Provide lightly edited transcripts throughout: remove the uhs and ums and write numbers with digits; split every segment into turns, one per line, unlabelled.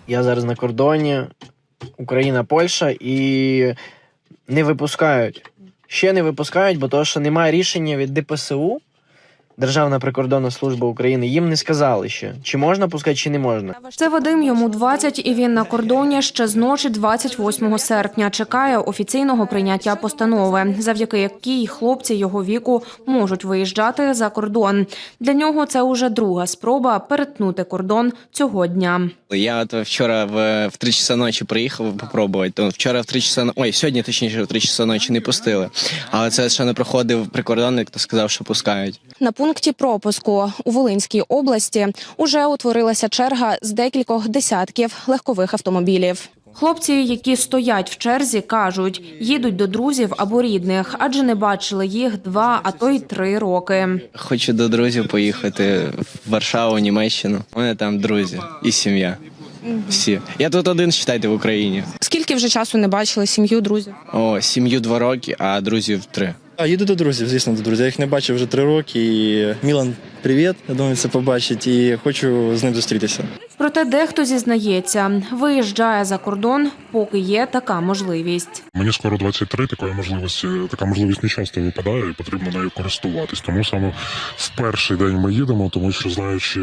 Я зараз на кордоні, Україна-Польща, і не випускають. Ще не випускають, бо того, що немає рішення від ДПСУ, Державна прикордонна служба України, їм не сказали ще, чи можна пускати, чи не можна.
Це Вадим, йому 20, і він на кордоні ще з ночі 28 серпня. Чекає офіційного прийняття постанови, завдяки якій хлопці його віку можуть виїжджати за кордон. Для нього це уже друга спроба перетнути кордон цього дня.
Я от вчора в 3 часа ночі приїхав попробувати. То вчора в 3 часа, сьогодні точніше в 3 часа ночі не пустили. Але це ще не проходив прикордонник, то сказав, що пускають.
На пункті пропуску у Волинській області уже утворилася черга з декількох десятків легкових автомобілів. Хлопці, які стоять в черзі, кажуть, їдуть до друзів або рідних, адже не бачили їх 2, а то й 3 роки.
Хочу до друзів поїхати в Варшаву, Німеччину. У мене там друзі і сім'я. Всі. Я тут один, вважайте, в Україні.
Скільки вже часу не бачили сім'ю, друзів?
Сім'ю 2 роки, а друзів 3.
Їду до друзів, звісно, до друзів. Я їх не бачив вже 3 роки. І Мілан, привіт, я думаю, це побачить. І хочу з ним зустрітися.
Проте дехто зізнається, виїжджає за кордон, поки є така можливість.
Мені скоро 23, така можливість не часто випадає і потрібно нею користуватись. Тому саме в перший день ми їдемо, тому що знаючи,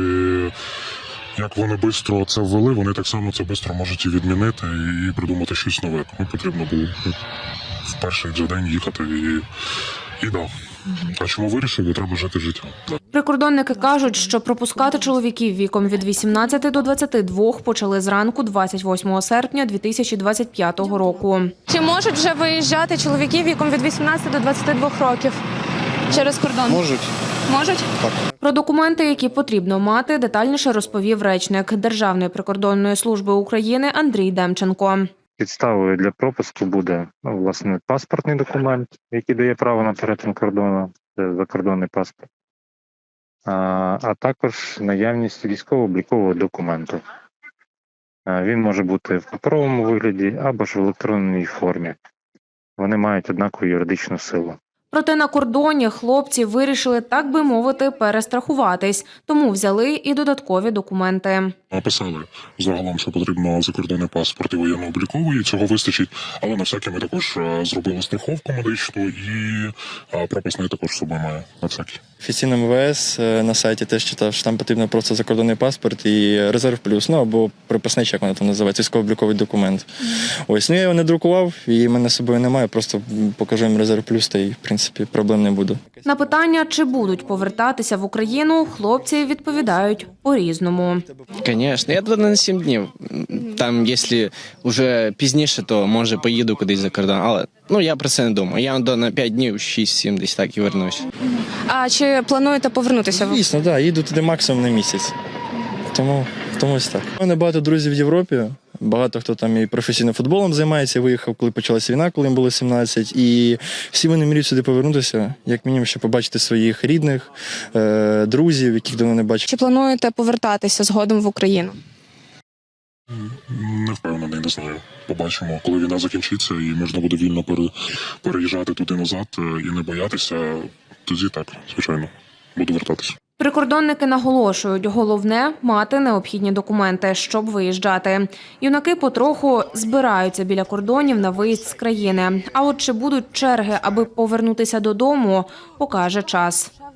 як вони швидко це ввели, вони так само це швидко можуть і відмінити, і придумати щось нове. Тому потрібно було в перший же день їхати і да. А чому вирішили? Треба жити життя.
Прикордонники кажуть, що пропускати чоловіків віком від 18 до 22 почали зранку 28 серпня 2025 року.
Чи можуть вже виїжджати чоловіки віком від 18 до 22 років через кордон?
Можуть.
Можуть?
Про документи, які потрібно мати, детальніше розповів речник Державної прикордонної служби України Андрій Демченко.
Підставою для пропуску буде, власне, паспортний документ, який дає право на перетин кордону, це закордонний паспорт, а також наявність військово-облікового документу. Він може бути в паперовому вигляді або ж в електронній формі. Вони мають однакову юридичну силу.
Проте на кордоні хлопці вирішили, так би мовити, перестрахуватись, тому взяли і додаткові документи.
Написали загалом, що потрібно закордонний паспорт і воєнно-обліковий, цього вистачить. Але на всякий ми також зробили страховку медичну і прописний також з собою має на всякий.
Офіційно МВС на сайті теж читав, що там потрібно просто закордонний паспорт і резерв плюс, або приписний, як воно там називається, військово-обліковий документ. Я його не друкував, і в мене з собою немає, просто покажу їм резерв плюс, та й, в принципі, проблем не буде.
На питання, чи будуть повертатися в Україну, хлопці відповідають по-різному.
Звісно, я туди на 7 днів. Там, якщо вже пізніше, то, може, поїду кудись за кордон. Але я про це не думаю. Я на 5 днів, 6-7 десь так і вернусь.
А чи плануєте повернутися?
Звісно, так, їду туди максимум на місяць. Тому ось так. У мене багато друзів в Європі. Багато хто там і професійним футболом займається, виїхав, коли почалася війна, коли їм було 17. І всі вони мріють сюди повернутися, як мінімум, щоб побачити своїх рідних, друзів, яких давно не бачив.
Чи плануєте повертатися згодом в Україну?
Не впевнений, не знаю. Побачимо, коли війна закінчиться і можна буде вільно переїжджати туди-назад і не боятися, тоді так, звичайно, буду вертатися.
Прикордонники наголошують, головне – мати необхідні документи, щоб виїжджати. Юнаки потроху збираються біля кордонів на виїзд з країни. А от чи будуть черги, аби повернутися додому, покаже час.